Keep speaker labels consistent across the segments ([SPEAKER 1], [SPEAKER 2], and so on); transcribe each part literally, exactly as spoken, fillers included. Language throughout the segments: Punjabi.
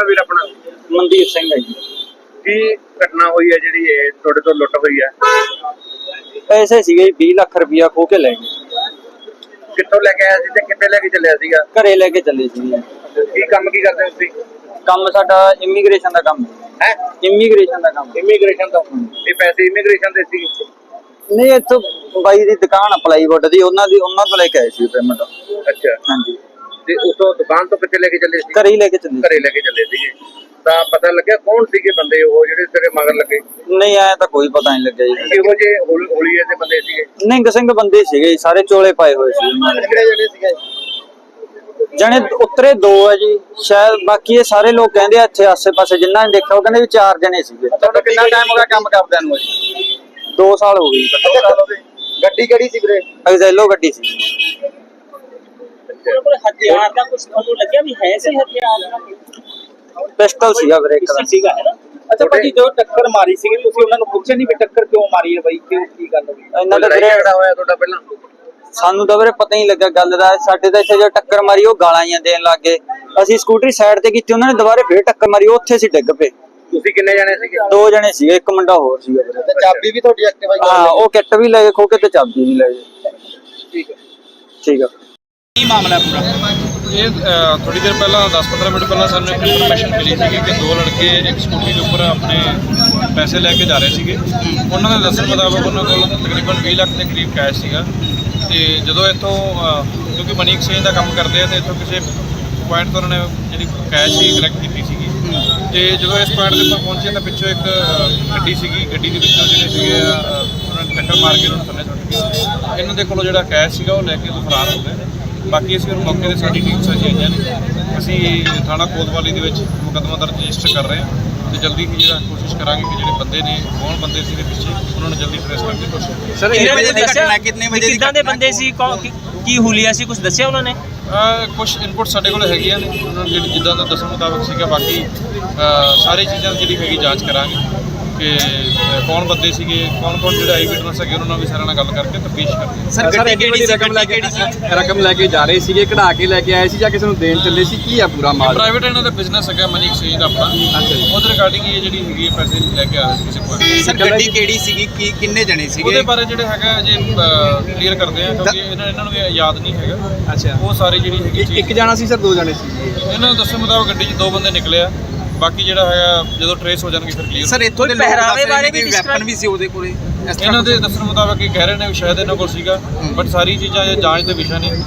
[SPEAKER 1] ਵੀਰ ਆਪਣਾ?
[SPEAKER 2] ਮਨਦੀਪ ਸਿੰਘ ਹੈ ਜੀ।
[SPEAKER 1] ਕੀ ਘਟਨਾ ਹੋਈ ਹੈ ਜਿਹੜੀ ਇਹ ਤੁਹਾਡੇ ਤੋਂ ਲੁੱਟ ਹੋਈ ਹੈ?
[SPEAKER 2] ਪੈਸੇ ਸੀਗੇ ਵੀਹ ਲੱਖ ਰੁਪਇਆ ਖੋ ਕੇ ਲੈ ਗਏ।
[SPEAKER 1] ਕਿੱਥੋਂ ਲੈ ਕੇ ਆਇਆ ਸੀ ਤੇ ਕਿੱਥੇ ਲੈ ਕੇ ਚੱਲਿਆ ਸੀਗਾ?
[SPEAKER 2] ਘਰੇ ਲੈ ਕੇ ਚੱਲੇ ਸੀ।
[SPEAKER 1] ਕੀ ਕੰਮ ਕੀ ਕਰਦੇ ਹੋ ਤੁਸੀਂ?
[SPEAKER 2] ਕੰਮ ਸਾਡਾ ਇਮੀਗ੍ਰੇਸ਼ਨ ਦਾ ਕੰਮ
[SPEAKER 1] ਹੈ।
[SPEAKER 2] ਇਮੀਗ੍ਰੇਸ਼ਨ ਦਾ ਕੰਮ।
[SPEAKER 1] ਇਮੀਗ੍ਰੇਸ਼ਨ ਦਾ? ਇਹ ਪੈਸੇ ਇਮੀਗ੍ਰੇਸ਼ਨ ਦੇ ਸੀ?
[SPEAKER 2] ਨਹੀਂ, ਇੱਥੋਂ ਬਾਈ ਦੀ ਦੁਕਾਨ ਪਲਾਈਵੁੱਡ ਦੀ, ਉਹਨਾਂ ਦੀ ਉਹਨਾਂ ਤੋਂ ਲੈ ਕੇ ਆਏ ਸੀ ਪੇਮੈਂਟ।
[SPEAKER 1] ਅੱਛਾ
[SPEAKER 2] ਹਾਂਜੀ।
[SPEAKER 1] ਤੇ ਉਸੋਂ ਦੁਕਾਨ ਤੋਂ ਕਿੱਥੇ ਲੈ ਕੇ ਚੱਲੇ ਸੀ?
[SPEAKER 2] ਘਰੇ ਹੀ ਲੈ ਕੇ ਚੱਲੇ।
[SPEAKER 1] ਘਰੇ ਲੈ ਕੇ ਚੱਲੇ ਸੀਗੇ। ਤਾਂ ਪਤਾ ਲੱਗਿਆ ਕੌਣ ਸੀਗੇ ਬੰਦੇ ਉਹ ਜਿਹੜੇ ਤੇਰੇ ਮਗਰ ਲੱਗੇ?
[SPEAKER 2] ਨਹੀਂ, ਆਇਆ ਤਾਂ ਕੋਈ ਪਤਾ ਨਹੀਂ ਲੱਗਿਆ ਜੀ।
[SPEAKER 1] ਇਹੋ ਜਿਹੇ ਹੋਲੀਏ ਦੇ ਬੰਦੇ ਸੀਗੇ?
[SPEAKER 2] ਨਿੰਗ ਸਿੰਘ ਬੰਦੇ ਸੀਗੇ, ਸਾਰੇ ਚੋਲੇ ਪਾਏ ਹੋਏ ਸੀ।
[SPEAKER 1] ਕਿਹੜੇ ਜਣੇ ਸੀਗੇ?
[SPEAKER 2] ਜਣੇ ਉਤਰੇ ਦੋ ਹੈ ਜੀ ਸ਼ਾਇਦ, ਬਾਕੀ ਇਹ ਸਾਰੇ ਲੋਕ ਕਹਿੰਦੇ ਆ ਇੱਥੇ ਆਸੇ ਪਾਸੇ ਜਿੰਨਾ ਨੇ ਦੇਖਿਆ ਉਹ ਕਹਿੰਦੇ ਵੀ ਚਾਰ ਜਣੇ ਸੀਗੇ।
[SPEAKER 1] ਤੁਹਾਡਾ ਕਿੰਨਾ ਟਾਈਮ ਹੋ ਗਿਆ ਕੰਮ ਕਰਦਿਆਂ ਨੂੰ?
[SPEAKER 2] ਦੋ ਸਾਲ ਹੋ ਗਏ।
[SPEAKER 1] ਗੱਡੀ ਕਿਹੜੀ ਸੀ ਵੀਰੇ?
[SPEAKER 2] ਐਗਜ਼ੈਲੋ ਗੱਡੀ ਸੀ।
[SPEAKER 3] ਹਥਿਆਰ ਦਾ ਕੁਝ ਤੁਹਾਨੂੰ ਲੱਗਿਆ ਵੀ ਹੈ ਸੀ ਹਥਿਆਰ ਦਾ?
[SPEAKER 2] ਪਿਸਟਲ ਸੀਗਾ ਵੀਰੇ ਇੱਕ ਦਾ।
[SPEAKER 3] ਸੀਗਾ ਹੈ ਨਾ। ਅੱਛਾ ਭਾਜੀ, ਜੋ ਟੱਕਰ ਮਾਰੀ ਸੀ ਤੁਸੀਂ ਉਹਨਾਂ ਨੂੰ ਪੁੱਛਿਆ ਨਹੀਂ ਵੀ ਟੱਕਰ ਕਿਉਂ ਮਾਰੀ ਹੈ ਬਾਈ, ਕਿਉਂ ਕੀ ਗੱਲ ਹੋਈ?
[SPEAKER 2] ਇਹਨਾਂ ਦਾ ਵੀਰੇ
[SPEAKER 1] ਝਗੜਾ ਹੋਇਆ ਤੁਹਾਡਾ ਪਹਿਲਾਂ?
[SPEAKER 2] ਸਾਨੂੰ ਤਾਂ ਵੀਰੇ ਪਤਾ ਹੀ ਲੱਗਾ ਗੱਲ ਦਾ। ਸਾਡੇ ਤਾਂ ਇੱਥੇ ਜੋ ਟੱਕਰ ਮਾਰੀ ਉਹ ਗਾਲਾਂ ਹੀ ਦੇਣ ਲੱਗ ਗਏ। ਅਸੀਂ ਸਕੂਟਰੀ ਸਾਈਡ ਤੇ ਕੀਤੀ, ਉਹਨਾਂ ਨੇ ਦੁਬਾਰੇ ਫੇਰ ਟੱਕਰ ਮਾਰੀ, ਉੱਥੇ ਅਸੀਂ ਡਿੱਗ ਪਏ।
[SPEAKER 1] ਤੁਸੀਂ ਕਿੰਨੇ ਜਣੇ ਸੀਗੇ?
[SPEAKER 2] ਦੋ ਜਣੇ ਸੀਗੇ, ਇੱਕ ਮੁੰਡਾ ਹੋਰ ਸੀਗਾ ਵੀਰੇ।
[SPEAKER 1] ਤੇ ਚਾਬੀ ਵੀ ਤੁਹਾਡੀ ਐਕਟਿਵਾ ਦੀ?
[SPEAKER 2] ਹਾਂ, ਉਹ ਕਿੱਟ ਵੀ ਲੈ ਗਏ ਖੋ ਕੇ ਤੇ ਚਾਬੀ ਵੀ ਲੈ ਗਏ।
[SPEAKER 1] ਠੀਕ ਹੈ।
[SPEAKER 2] ਠੀਕ ਆ।
[SPEAKER 3] ਕੀ ਮਾਮਲਾ ਪੂਰਾ?
[SPEAKER 4] ਇਹ ਥੋੜੀ ਦੇਰ ਪਹਿਲਾਂ ਦਸ ਪੰਦਰਾਂ ਮਿੰਟ ਪਹਿਲਾਂ ਸਾਨੂੰ ਇੱਕ ਇਨਫੋਰਮੇਸ਼ਨ ਮਿਲੀ ਸੀ ਕਿ ਦੋ ਲੜਕੇ ਇੱਕ ਸਕੂਟੀ ਦੇ ਉੱਪਰ ਆਪਣੇ ਪੈਸੇ ਲੈ ਕੇ ਜਾ ਰਹੇ ਸੀਗੇ। ਉਹਨਾਂ ਦੇ ਦੱਸਣ ਮੁਤਾਬਕ ਉਹਨਾਂ ਕੋਲ ਤਕਰੀਬਨ ਵੀਹ ਲੱਖ ਦੇ ਕਰੀਬ ਕੈਸ਼ ਸੀਗਾ। ਤੇ ਜਦੋਂ ਇੱਥੋਂ ਕਿਉਂਕਿ ਮਨੀ ਐਕਸਚੇਂਜ ਦਾ ਕੰਮ ਕਰਦੇ ਆ ਤੇ ਇੱਥੋਂ ਕਿਸੇ ਪੁਆਇੰਟ ਤੋਂ ਉਹਨਾਂ ਨੇ ਜਿਹੜੀ ਕੈਸ਼ ਸੀ ਕਲੈਕਟ ਕੀਤੀ ਸੀਗੀ। ਤੇ ਜਦੋਂ ਇਸ ਪੁਆਇੰਟ ਦੇ ਉੱਪਰ ਪਹੁੰਚੇ ਤਾਂ ਪਿੱਛੋਂ ਇੱਕ ਗੱਡੀ ਸੀਗੀ, ਗੱਡੀ ਦੇ ਵਿੱਚੋਂ ਜਿਹੜੇ ਸੀਗੇ ਉਹਨਾਂ ਨੇ ਟੱਕਰ ਮਾਰ ਕੇ ਉਹਨਾਂ ਨੂੰ ਥੱਲੇ ਸੁੱਟ ਗਏ। ਇਹਨਾਂ ਦੇ ਕੋਲੋਂ ਜਿਹੜਾ ਕੈਸ਼ ਸੀਗਾ ਉਹ ਲੈ ਕੇ ਫਰਾਰ ਹੋ ਗਏ। ਬਾਕੀ ਅਸੀਂ ਹੁਣ ਮੌਕੇ ਤੇ ਸਾਡੀ ਟੀਮ ਸਾਜੀ ਆਈਆਂ ਨੇ। ਅਸੀਂ ਥਾਣਾ ਕੋਤਵਾਲੀ ਦੇ ਵਿੱਚ ਮੁਕੱਦਮਾ ਦਰਜ ਰਜਿਸਟਰ ਕਰ ਰਹੇ ਹਾਂ ਤੇ ਜਲਦੀ ਹੀ ਜਿਹੜਾ ਕੋਸ਼ਿਸ਼ ਕਰਾਂਗੇ ਕਿ ਜਿਹੜੇ ਬੰਦੇ ਨੇ ਕੌਣ ਬੰਦੇ ਸੀ ਦੇ ਪਿੱਛੇ ਉਹਨਾਂ ਨੂੰ ਜਲਦੀ ਟ੍ਰੇਸ ਕਰਨ ਦੀ ਕੋਸ਼ਿਸ਼ ਕਰਾਂਗੇ।
[SPEAKER 3] ਸਰ ਕਿੰਨੇ ਵਜੇ ਦੀ ਘਟਨਾ, ਕਿੰਨੇ ਵਜੇ ਕਿੱਦਾਂ ਦੇ ਬੰਦੇ ਸੀ, ਕੀ ਹੁਲੀਆ ਸੀ, ਕੁਝ ਦੱਸਿਆ ਉਹਨਾਂ ਨੇ?
[SPEAKER 4] ਕੁਝ ਇਨਪੁਟ ਸਾਡੇ ਕੋਲ ਹੈਗੀਆਂ ਨੇ, ਉਹਨਾਂ ਨੂੰ ਜਿਹੜੀ ਜਿੱਦਾਂ ਦਾ ਦੱਸਣ ਮੁਤਾਬਕ ਸੀਗਾ। ਬਾਕੀ ਸਾਰੀ ਚੀਜ਼ਾਂ ਦੀ ਜਿਹੜੀ ਹੈਗੀ ਜਾਂਚ ਕਰਾਂਗੇ ਕਿ ਕੌਣ ਬੰਦੇ ਸੀਗੇ, ਕੌਣ ਕੌਣ ਜਿਹੜੇ ਆਈ ਵਿਟਨੈਸ ਹੈਗੇ ਉਹਨਾਂ ਨਾਲ ਵੀ ਸਾਰਿਆਂ ਨਾਲ ਗੱਲ ਕਰਕੇ ਤਫਤੀਸ਼ ਕਰਦੇ।
[SPEAKER 3] ਸਰ ਗੱਡੀ ਕਿਹੜੀ ਰਕਮ ਲੈ ਕੇ
[SPEAKER 5] ਰਕਮ ਲੈ ਕੇ ਜਾ ਰਹੇ ਸੀਗੇ, ਕਢਾ ਕੇ ਲੈ ਕੇ ਆਏ ਸੀ ਜਾਂ ਕਿਸੇ ਨੂੰ ਦੇਣ ਚੱਲੇ ਸੀ? ਕੀ ਆ ਪੂਰਾ ਮਾਲ?
[SPEAKER 4] ਪ੍ਰਾਈਵੇਟ ਇਹਨਾਂ ਦਾ ਬਿਜ਼ਨਸ ਹੈਗਾ ਮਨੀ ਐਕਸਚੇਂਜ ਦਾ ਆਪਣਾ।
[SPEAKER 5] ਅੱਛਾ ਜੀ।
[SPEAKER 4] ਉਹਦੇ ਰਿਗਾਰਡਿੰਗ ਇਹ ਜਿਹੜੀ ਹੈਗੀ ਪੈਸੇ ਲੈ ਕੇ ਆ ਰਹੇ ਸੀ ਕਿਸੇ ਕੋਲ।
[SPEAKER 3] ਸਰ ਗੱਡੀ ਕਿਹੜੀ ਸੀਗੀ, ਕੀ ਕਿੰਨੇ ਜਣੇ ਸੀਗੇ?
[SPEAKER 4] ਉਹਦੇ ਬਾਰੇ ਜਿਹੜੇ ਹੈਗਾ ਜੇ ਕਲੀਅਰ ਕਰਦੇ ਆ ਕਿਉਂਕਿ ਇਹਨਾਂ ਇਹਨਾਂ ਨੂੰ ਵੀ ਯਾਦ ਨਹੀਂ ਹੈਗਾ।
[SPEAKER 5] ਅੱਛਾ,
[SPEAKER 4] ਉਹ ਸਾਰੀ ਜਿਹੜੀ ਹੈਗੀ ਚੀਜ਼
[SPEAKER 5] ਇੱਕ ਜਾਣਾ ਸੀ ਸਰ, ਦੋ ਜਾਣੇ ਸੀ?
[SPEAKER 4] ਇਹਨਾਂ ਨੂੰ ਦੱਸਣ ਮੁਤਾਬਕ ਗੱਡੀ 'ਚ ਦੋ ਬੰਦੇ ਨਿਕਲੇ ਆ। ਬਾਕੀ ਜਿਹੜਾ ਹੈਗਾ ਜਦੋਂ ਟ੍ਰੇਸ ਹੋ ਜਾਣਗੇ ਫਿਰ ਕਲੀਅਰ।
[SPEAKER 3] ਸਰ ਇੱਥੋਂ ਦੇ ਪਹਿਰਾਵੇ ਬਾਰੇ ਵੀ ਵੈਪਨ ਵੀ ਸੀ ਉਹਦੇ ਕੋਲੇ?
[SPEAKER 4] ਇਹਨਾਂ ਦੇ ਦੱਸਣ ਮੁਤਾਬਕ ਇਹ ਕਹਿ ਰਹੇ ਨੇ ਵੀ ਸ਼ਾਇਦ ਇਹਨਾਂ ਕੋਲ ਸੀਗਾ, ਬਟ ਸਾਰੀ ਚੀਜ਼ਾਂ ਇਹ ਜਾਂਚ ਦੇ ਵਿਸ਼ਾ ਨੇ।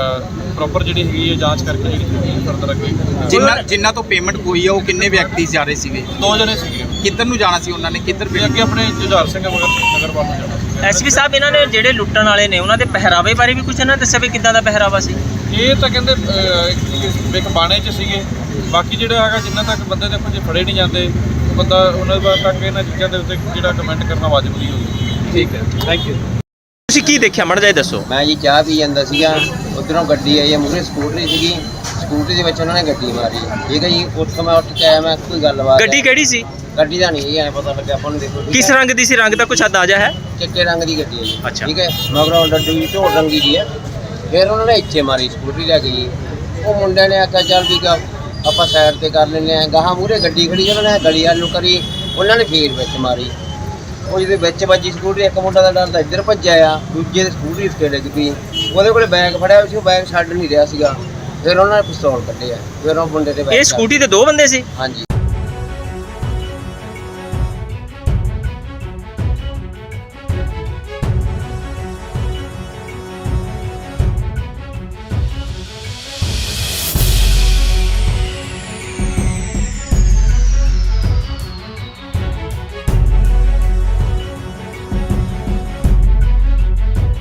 [SPEAKER 4] ਪ੍ਰੋਪਰ ਜਿਹੜੀ ਹੈਗੀ ਹੈ ਜਾਂਚ ਕਰਕੇ ਜਿਹੜੀ ਫਰਦਰ ਅੱਗੇ।
[SPEAKER 3] ਜਿੰਨਾ ਜਿੰਨਾ ਤੋਂ ਪੇਮੈਂਟ ਹੋਈ ਆ ਉਹ ਕਿੰਨੇ ਵਿਅਕਤੀ ਜਾ ਰਹੇ ਸੀਗੇ?
[SPEAKER 4] ਦੋ ਜਣੇ ਸੀਗੇ।
[SPEAKER 3] ਕਿੱਧਰ ਨੂੰ ਜਾਣਾ ਸੀ ਉਹਨਾਂ ਨੇ, ਕਿੱਧਰ
[SPEAKER 4] ਵੀ ਅੱਗੇ ਆਪਣੇ ਜੁਝਾਰ ਸਿੰਘ ਮਗਰ ਨਗਰ ਵੱਲ ਨੂੰ ਜਾਣਾ ਸੀ।
[SPEAKER 3] ਐਸਪੀ ਸਾਹਿਬ, ਇਹਨਾਂ ਨੇ ਜਿਹੜੇ ਲੁੱਟਣ ਵਾਲੇ ਨੇ ਉਹਨਾਂ ਦੇ ਪਹਿਰਾਵੇ ਬਾਰੇ ਵੀ ਕੁਝ ਇਹਨਾਂ ਨੇ ਦੱਸਿਆ ਵੀ ਕਿੱਦਾਂ ਦਾ ਪਹਿਰਾਵਾ ਸੀ?
[SPEAKER 4] ਇਹ ਤਾਂ ਕਹਿੰਦੇ ਇੱਕ ਬਾਣੇ 'ਚ ਸੀਗੇ। ਬਾਕੀ ਜਿਹੜਾ ਹੈਗਾ ਜਿੰਨਾ ਤੱਕ ਬੰਦੇ ਦੇਖੋ ਜੇ ਫੜੇ ਨਹੀਂ ਜਾਂਦੇ ਬੰਦਾ ਉਹਨਾਂ ਤੱਕ ਇਹਨਾਂ ਚੀਜ਼ਾਂ ਦੇ ਉੱਤੇ ਜਿਹੜਾ ਕਮੈਂਟ ਕਰਨਾ ਵਾਜਬ ਨਹੀਂ ਹੋਊਗਾ।
[SPEAKER 5] ਠੀਕ ਹੈ, ਥੈਂਕ ਯੂ।
[SPEAKER 3] ਤੁਸੀਂ ਕੀ ਦੇਖਿਆ ਮਾੜਾ ਜਿਹਾ ਦੱਸੋ।
[SPEAKER 6] ਮੈਂ ਜੀ ਚਾਹ ਪੀ ਜਾਂਦਾ ਸੀਗਾ, ਉੱਧਰੋਂ ਗੱਡੀ ਆਈ ਹੈ, ਮੂਹਰੇ ਸਕੂਟਰੀ ਸੀਗੀ, ਸਕੂਟਰੀ ਦੇ ਵਿੱਚ ਉਹਨਾਂ ਨੇ ਗੱਡੀ ਮਾਰੀ। ਠੀਕ ਹੈ ਜੀ, ਉੱਥੋਂ ਮੈਂ ਉੱਠ ਕੇ ਆਇਆ, ਮੈਂ ਕੋਈ ਗੱਲਬਾਤ।
[SPEAKER 3] ਗੱਡੀ ਕਿਹੜੀ ਸੀ?
[SPEAKER 6] ਗੱਡੀ ਦਾ ਨਹੀਂ ਐ ਪਤਾ ਲੱਗਿਆ ਆਪਾਂ ਨੂੰ। ਦੇਖੋ
[SPEAKER 3] ਕਿਸ ਰੰਗ ਦੀ ਸੀ? ਰੰਗ ਦਾ ਕੁਛ ਅੰਦਾਜ਼ਾ ਹੈ?
[SPEAKER 6] ਚਿੱਟੇ ਰੰਗ ਦੀ ਗੱਡੀ ਹੈ ਜੀ।
[SPEAKER 3] ਅੱਛਾ।
[SPEAKER 6] ਠੀਕ ਹੈ, ਮਗਰੋਂ ਡੱਡੂ ਜੀ ਢੋਲ ਰੰਗੀ ਦੀ ਹੈ। ਫਿਰ ਉਹਨਾਂ ਨੇ ਇੱਥੇ ਮਾਰੀ ਸਕੂਟਰੀ ਲੈ ਕੇ ਜੀ। ਉਹ ਮੁੰਡਿਆਂ ਨੇ ਆਖਿਆ ਚੱਲ ਵੀ ਆਪਾਂ ਸਾਈਡ ਤੇ ਕਰ ਲੈਂਦੇ ਹਾਂ। ਗਾਹਾਂ ਮੂਹਰੇ ਗੱਡੀ ਖੜੀ, ਉਹਨਾਂ ਨੇ ਗਲੀ ਵੱਲ ਨੂੰ ਕਰੀ, ਉਹਨਾਂ ਨੇ ਫੇਰ ਵਿੱਚ ਮਾਰੀ। ਉਹ ਜਿਹਦੇ ਵਿੱਚ ਵੱਜੀ ਸਕੂਟਰੀ, ਇੱਕ ਮੁੰਡਾ ਦਾ ਡਰਦਾ ਇੱਧਰ ਭੱਜਿਆ ਆ, ਦੂਜੇ ਦੀ ਸਕੂਟਰੀ ਉੱਤੇ ਡਿੱਗ ਪਈ। ਉਹਦੇ ਕੋਲੇ ਬੈਗ ਫੜਿਆ ਸੀ, ਉਹ ਬੈਗ ਛੱਡ ਨਹੀਂ ਰਿਹਾ ਸੀਗਾ। ਫਿਰ ਉਹਨਾਂ ਨੇ ਪਿਸਤੌਲ ਕੱਢਿਆ, ਫਿਰ ਉਹ ਮੁੰਡੇ ਦੇ
[SPEAKER 3] ਇਹ ਸਕੂਟੀ ਤੇ ਦੋ ਬੰਦੇ ਸੀ?
[SPEAKER 6] ਹਾਂਜੀ।